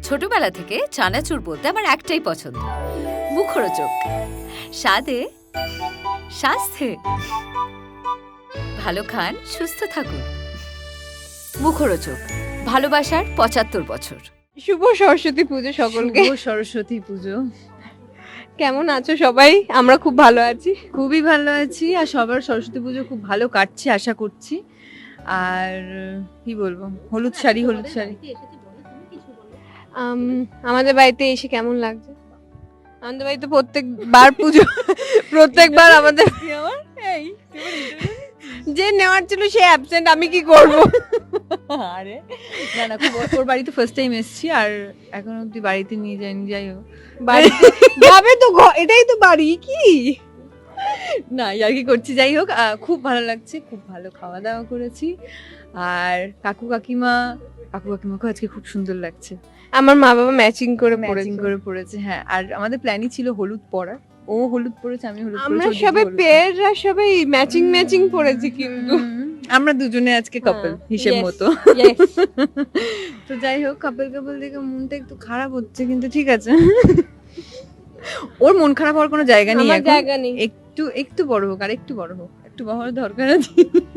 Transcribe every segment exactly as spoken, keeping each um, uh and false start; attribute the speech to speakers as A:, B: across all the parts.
A: ছোটবেলা থেকে চানাচুর বলতে আমার একটাই পছন্দ, মুখরোচক, স্বাদে স্বাস্থ্যে। ভালো খান, সুস্থ থাকুন। মুখরোচক, ভালোবাসার পঁচাত্তর বছর।
B: শুভ সরস্বতী পুজো সকলকে।
C: শুভ সরস্বতী পুজো।
B: কেমন আছো সবাই? আমরা খুব ভালো আছি।
C: খুবই ভালো আছি, আর সবার সরস্বতী পুজো খুব ভালো কাটছে আশা করছি। আর কি বলবো, হলুদ শাড়ি হলুদ শাড়ি
B: আম, আমাদের বাড়িতে এসে কেমন লাগছে? আমাদের বাড়িতে প্রত্যেকবার পুজো প্রত্যেকবার আমাদের
C: এই
B: যে নেওয়ার ছিল সে অ্যাবসেন্ট, আমি কি করব?
C: আরে না না, খুব ওর বাড়িতে ফার্স্ট টাইম এসেছি, আর এখন অব্দি বাড়িতে নিয়ে যাইনি। যাই হোক,
B: বাড়িতে যাবে তো, ঘ- এটাই তো বাড়ি কি?
C: না আর কি করছি। যাই হোক, আহ, খুব ভালো লাগছে, খুব ভালো খাওয়া দাওয়া করেছি। আর কাকু কাকিমা কাকু কাকিমাকে আজকে খুব সুন্দর লাগছে,
B: আমার মা বাবা ম্যাচিং করে
C: ম্যাচিং
B: পড়েছে।
C: করে পড়েছে। হ্যাঁ, আর আমাদের প্ল্যানই ছিল হলুদ পরার। ও হলুদ পরেছে, আমি হলুদ
B: আমরা
C: পরেছি, ও দিদি
B: সবাই
C: হলুদ
B: পেয়াররা সবাই ম্যাচিং ম্যাচিং পড়েছি কিন্তু
C: হুম, আমরা দুজনে আজকে কাপল
B: হ্যাঁ,
C: হিসেব
B: yes,
C: মতো।
B: yes.
C: তো যাই হোক, কাপল কাপল দেখে মনটা একটু খারাপ হচ্ছে, কিন্তু ঠিক আছে। ওর মন খারাপ হওয়ার কোনো জায়গা নেই
B: আমার
C: এখন।
B: জায়গা নেই।
C: একটু একটু বড় হোক, আর একটু বড় হোক, একটু বড় হওয়ার দরকার আছে।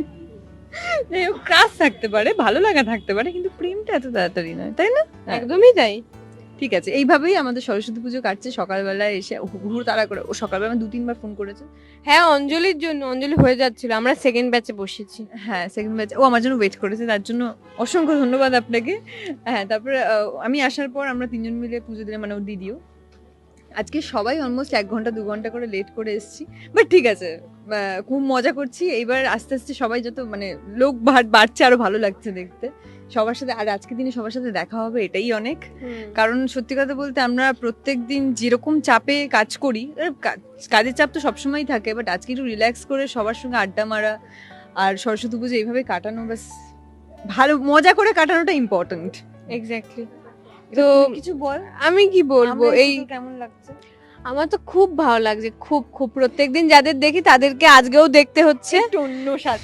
C: যাই হোক, ক্রাশ থাকতে পারে, ভালো লাগা থাকতে পারে, কিন্তু প্রেমটা এত তাড়াতাড়ি নয়, তাই না? হ্যাঁ।
B: একদমই তাই।
C: ঠিক আছে, এইভাবেই আমাদের সরস্বতী পুজো কাটছে। সকালবেলা এসে হুড় তাড়া করে, ও সকালবেলা আমার দু তিনবার ফোন করেছে।
B: হ্যাঁ, অঞ্জলির জন্য, অঞ্জলি হয়ে যাচ্ছিল, আমরা সেকেন্ড ব্যাচে বসেছি।
C: হ্যাঁ, সেকেন্ড ব্যাচ ও আমার জন্য ওয়েট করেছে, তার জন্য অসংখ্য ধন্যবাদ আপনাকে। হ্যাঁ, তারপরে আহ, আমি আসার পর আমরা তিনজন মিলে পুজো দিলাম, মানে ওর দিদিও। আজকে সবাই অলমোস্ট এক ঘন্টা দু ঘন্টা করে লেট করে এসেছি, বাট ঠিক আছে, আহ, খুব মজা করছি। এইবার আস্তে আস্তে সবাই যত মানে লোক বাড়- বাড়ছে, আরো ভালো লাগছে দেখতে সবার সাথে। আর আজকে দিনে সবার সাথে দেখা হবে, এটাই অনেক। কারণ সত্যি কথা বলতে, আমরা প্রত্যেক দিন যেরকম চাপে কাজ করি, এর কা- কাজের চাপ তো সবসময়ই থাকে, বাট আজকে একটু রিল্যাক্স করে সবার সঙ্গে আড্ডা মারা আর সরস্বতী পুজো এইভাবে কাটানো, বাস ভালো মজা করে কাটানোটা ইম্পর্টেন্ট।
B: এক্স্যাক্টলি।
C: তো
B: তো
C: কিছু বল,
B: আমি কি বলবো, এই
C: কেমন লাগছে?
B: আমার তো খুব ভালো লাগছে, খুব খুব প্রত্যেকদিন যাদের দেখি তাদেরকে আজকেও দেখতে হচ্ছে।
C: একটু অন্য স্বাদ।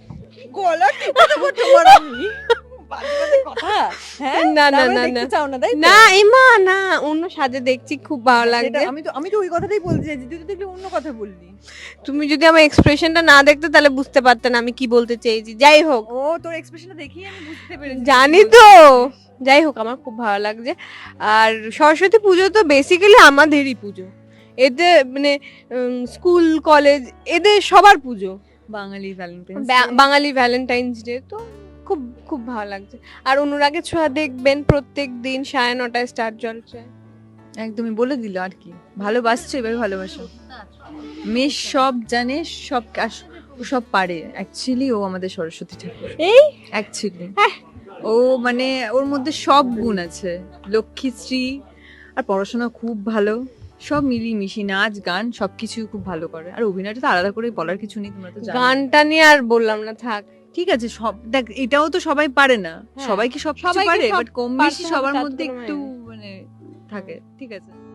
C: গলা টিপে দেবো তোমার আমি। বাজে বাজে কথা। হ্যাঁ?
B: না, না,
C: তারপরে
B: না,
C: দেখতে
B: না।
C: চাও না, তাই তো?
B: না এমা, না, অন্য সাজে দেখছি, খুব ভালো
C: সেটা
B: লাগছে।
C: আমি তো আমি তো ওই কথাটাই বলতে চাইছি, তুই তো দেখলে অন্য কথা বললি।
B: তুমি যদি আমার এক্সপ্রেশনটা না দেখতে তাহলে বুঝতে পারতে না আমি কি বলতে চেয়েছি। যাই হোক,
C: ও তোর এক্সপ্রেশনটা দেখেই আমি বুঝতে পেরেছি।
B: জানি তো। যাই হোক, আমার খুব ভালো লাগছে। আর সরস্বতী পুজো তো বেসিক্যালি আমাদেরই পুজো। এতে মানে স্কুল কলেজ এদের সবার পুজো,
C: বাঙালি ভ্যালেন্টাইন্স
B: বা- বাঙালি ভ্যালেন্টাইন্স ডে তো খুব খুব ভালো লাগছে। আর অনুরাগের ছোঁয়া দেখবেন প্রত্যেক দিন সাড়ে নটায় স্টার জলছে।
C: একদমই বলে দিল আর কি। ভালোবাসছো, এভাবে ভালোবাসো। মেয়ে সব জানে, সব কাজ- ও সব পারে। অ্যাকচুয়ালি ও আমাদের সরস্বতী ঠাকুর।
B: এই
C: অ্যাকচুয়ালি ও মানে ওর মধ্যে সব গুণ আছে, লক্ষ্মীশ্রী, আর পড়াশোনা খুব ভালো, সব মিলিয়ে মিশিয়ে নাচ গান সবকিছু খুব ভালো করে। আর অভিনয়টা তো আলাদা করে বলার কিছু নেই, তোমরা তো জানো।
B: গানটা নিয়ে আর বললাম না, থাক।
C: ঠিক আছে, সব দেখ, এটাও তো সবাই পারে না,
B: হ্যাঁ,
C: সবাই কি সব কিছু
B: সবাইকে
C: পারে,
B: সব
C: বাট কম
B: পারতে
C: বেশি
B: হবে,
C: সবার
B: তার তো
C: মধ্যে
B: কোনো
C: একটু
B: মানে
C: মানে থাকে। ঠিক আছে।